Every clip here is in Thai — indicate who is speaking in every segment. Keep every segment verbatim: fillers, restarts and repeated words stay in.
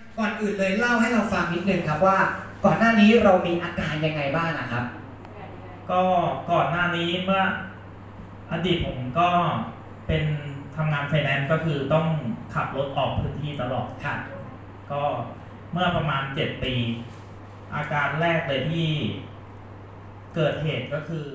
Speaker 1: ก่อนอื่นเลยเล่าให้เราฟังนิดนึงครับว่าก่อนหน้านี้เรามีอาการยังไงบ้างนะครับ
Speaker 2: ก็ก่อนหน้านี้เมื่ออดีตผมก็เป็นทำงานไฟแนนซ์ก็คือต้องขับรถออกพื้นที่ตลอดค่ะก็เมื่อประมาณเจ็ดปีอาการแรกเลยที่เกิดเหตุก็คือ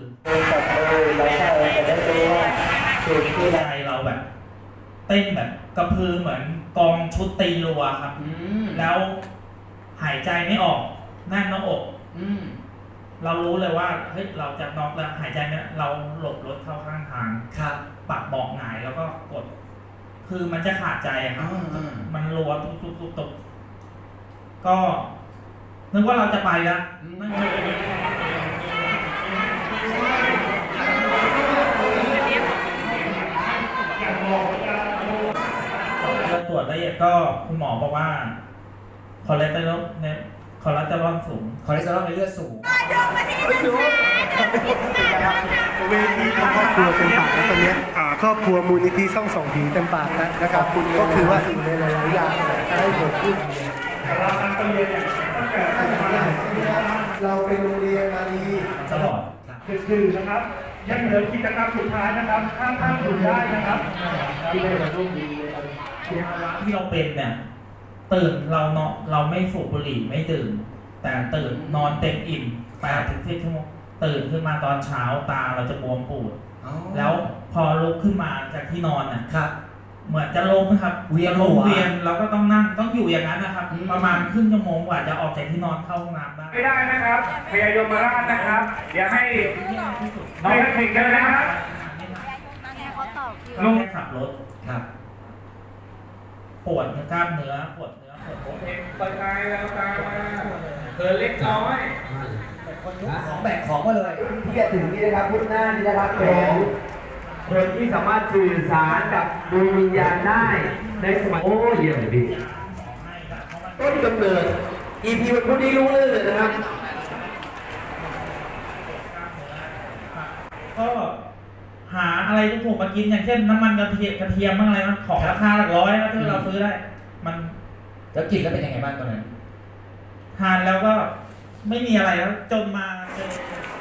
Speaker 2: ใจเราแบบเต้นแบบกระพือเหมือนกองชุดตีรัวครับแล้วหายใจไม่ออกแน่นหน้าอกเรารู้เลยว่าเฮ้ยเราจะน็อกแล้วหายใจไม่เราหลบรถเข้าข้างทางครับปักเบาะหงายแล้วก็กดคือมันจะขาดใจครับมันรัวตุบตุบตุบตุบก็นึกว่าเราจะไปแล้วตรวจละเอียดก็คุณหมอบอกว่าคอเลสเตอรอลเนี่ยคอเลสเตอรอลสูง
Speaker 1: คอเลสเตอรอลในเลือดสูง
Speaker 3: เวทีครอบครัวเต็มปากแล้วตอนนี้ครอบครัวมูลนิธิช่องส่องผีเต็มปากแล้วนะครับคุณก็คือว่าสิ่งในหลายๆอย่างให้เกิดขึ้นเราทำเรียนตั้งแต่เราเป็นโรงเรียนมาดี
Speaker 2: ตลอด
Speaker 3: คือนะครับยังเหลือกิจกรรมสุดท้ายนะครับข้ามข้ามอยู่ได้นะครับที่ได้มาร่วมดี
Speaker 2: ที่เราเป็นเนี่ยตื่นเราเนาะเราไม่สูบบุหรี่ไม่ดื่มแต่ตื่นนอนเต็มอิ่มแปดถึงสิบชั่วโมงตื่นขึ้นมาตอนเช้าตาเราจะบวมปูดแล้วพอลุกขึ้นมาจากที่นอนน่ะครับเหมือนจะล้มครับเวียนล้มเวียนเราก็ต้องนั่งต้องอยู่อย่างนั้นนะครับประมาณครึ่งชั่วโมงกว่าจะออกจากที่นอนเข้าห้องน้ำได้
Speaker 3: ไม่ได้นะครับพยายมราชนะครับเดี๋ยวให้น้องถึงกันนะครับ
Speaker 2: ลุงขับรถครับปวดกล้ามเนื้อปวดเนื้อปวดโอเค
Speaker 3: ไปไกลแล้วตาเธอเล็กน้อย
Speaker 1: คนยกของแบกของมาเลย
Speaker 3: ที่จะถึงนี่นะครับพุทธหน้านี่นะครับเป็นคนที่สามารถสื่อสารกับดวงวิญญาณได้ในสมัยโอ้เยี่ยมเลยพี่ต้นกำเนิด อี พี วันพุธนี้รู้เลยนะครับ
Speaker 2: ก็หาอะไรที่ถูกมากินอย่างเช่นน้ำมันกระเทียมกระเทียมบ้างอะไรมันของราคาหลักร้อยนะที่เราซื้อได้มัน
Speaker 1: แล้วกินแล้วเป็นยังไงบ้างตอนนั้น
Speaker 2: ทานแล้วก็ไม่มีอะไรแล้วจนมาเจอ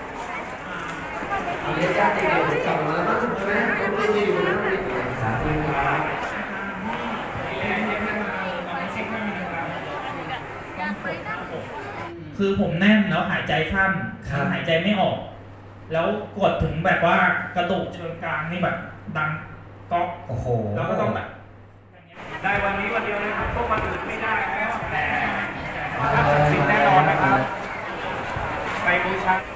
Speaker 3: เอาเรียกญาติเด็กๆกลับมาแล้วใช่ไหมต้องไม่ได้อยู่นะสาธุครับ
Speaker 2: คือผมแน่นแล้วหายใจขั้นหายใจไม่ออกแล้วกดถึงแบบว่ากระดูกเชิงกรานนี่แบบดังก๊อก
Speaker 1: โอ้โห
Speaker 2: แล้วก็ต้องแบบ
Speaker 3: ได้วันนี้วันเดียวนะครับพวกมันอื่นไม่ได้แล้วแต่สิ่งแน่นอนนะครับไปบูชา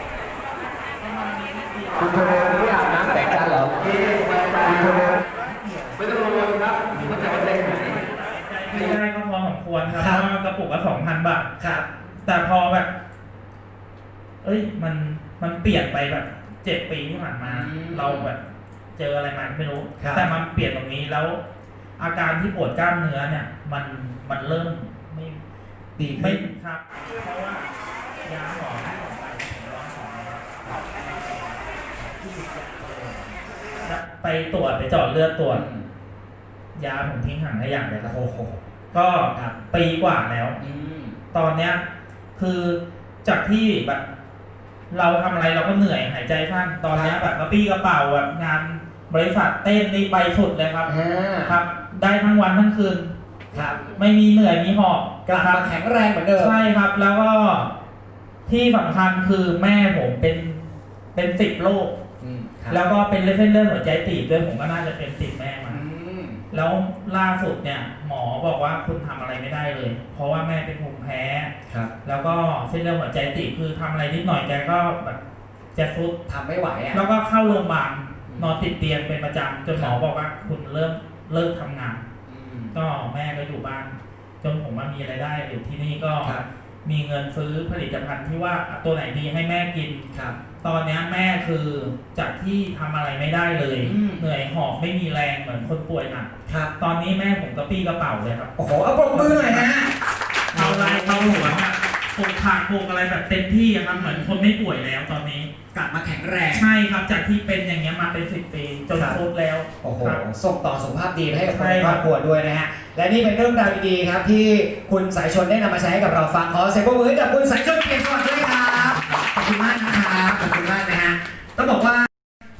Speaker 3: คุณเทเลไม่อาบน้ำแต่งกันเหรอคุณเทเลไม่ต้องกังวลครับมันจะมาเล่นไหน
Speaker 2: ไม่ได้ก็พอสมควรครับเพราะว่ากระปุกละสองพันบาท
Speaker 1: ครับ
Speaker 2: แต่พอแบบเอ้ยมันมันเปลี่ยนไปแบบเจ็ดปีที่ผ่านมาเราแบบเจออะไรมาไม่รู้แต่มันเปลี่ยนตรงนี้แล้วอาการที่ปวดกล้ามเนื้อเนี่ยมันมันเริ่มไม่
Speaker 1: ดี
Speaker 2: ไม่ครับเพราะว่ายาหมอที่ผมไปผมลองของไปตรวจไปเจาะเลือดตรวจยาผมทิ้งห่างได้อย่างเลยครับโอ้โหก็ปีกว่าแล้วตอนเนี้ยคือจากที่แบบเราทำอะไรเราก็เหนื่อยหายใจสั้นตอนนี้แบบกระปี้กระเป๋าแบบงานบริษัทเต้นนี่ไปสุดเลยครับครับได้ทั้งวันทั้งคืนครับไม่มีเหนื่อยมีหอบ
Speaker 1: กลับมาแข็งแรงเหมือนเดิม
Speaker 2: ใช่ครับแล้วก็ที่สำคัญคือแม่ผมเป็นเป็นติดโรคแล้วก็เป็นเส้นเลือดหัวใจตีบด้วยผมก็น่าจะเป็นติดแม่มาแล้วล่าสุดเนี่ยหมอบอกว่าคุณทำอะไรไม่ได้เลยเพราะว่าแม่เป็นภูมิแพ้แล้วก็เส้นเลือดหัวใจตีบคือทำอะไรนิดหน่อยแกก็แบบจะฟุด
Speaker 1: ทำไม่ไหวอ่ะ
Speaker 2: แล้วก็เข้าโรงพยาบาลนอนติดเตียงเป็นประจำจนหมอบอกว่าคุณเริ่มเลิกทำงานก็แม่ก็อยู่บ้านจนผมมามีรายได้อยู่ที่นี่ก็มีเงินซื้อผลิตภัณฑ์ที่ว่าตัวไหนดีให้แม่กินตอนนี้แม่คือจากที่ทำอะไรไม่ได้เลยเหนื่อยหอบไม่มีแรงเหมือนคนป่วยหนักตอนนี้แม่ผมกระปี้กระเป๋าเลยครับ
Speaker 1: โอ้โหเอาปรบมือหน่อยฮะ
Speaker 2: เอาลายเอาหัวปลูกผักปลูกอะไรแบบเต็มที่อะครับเหมือนคนไม่ป่วยแล้วตอนนี้
Speaker 1: กลับมาแข็งแรง
Speaker 2: ใช่ครับจากที่เป็นอย่างเงี้ยมาเป็นสิบปีจน
Speaker 1: ครับ
Speaker 2: ครบแล้ว
Speaker 1: โอ้โห
Speaker 2: ครับ
Speaker 1: ส่งต่อสุขภาพดีให้กับคน
Speaker 2: ใช่
Speaker 1: ใน
Speaker 2: ค
Speaker 1: ค
Speaker 2: รั
Speaker 1: ร
Speaker 2: บ
Speaker 1: อบครัวด้วยนะฮะ และนี่เป็นเรื่องราวดีๆครับที่คุณสายชนได้นำมาใช้ให้กับเราฟังขอเสียงปรบมือให้กับคุณสายชนเกียรติสวัสดิ์ด้วยครับ ขอบคุณมากนะครับ ขอบคุณมากนะฮะ ต้องบอกว่า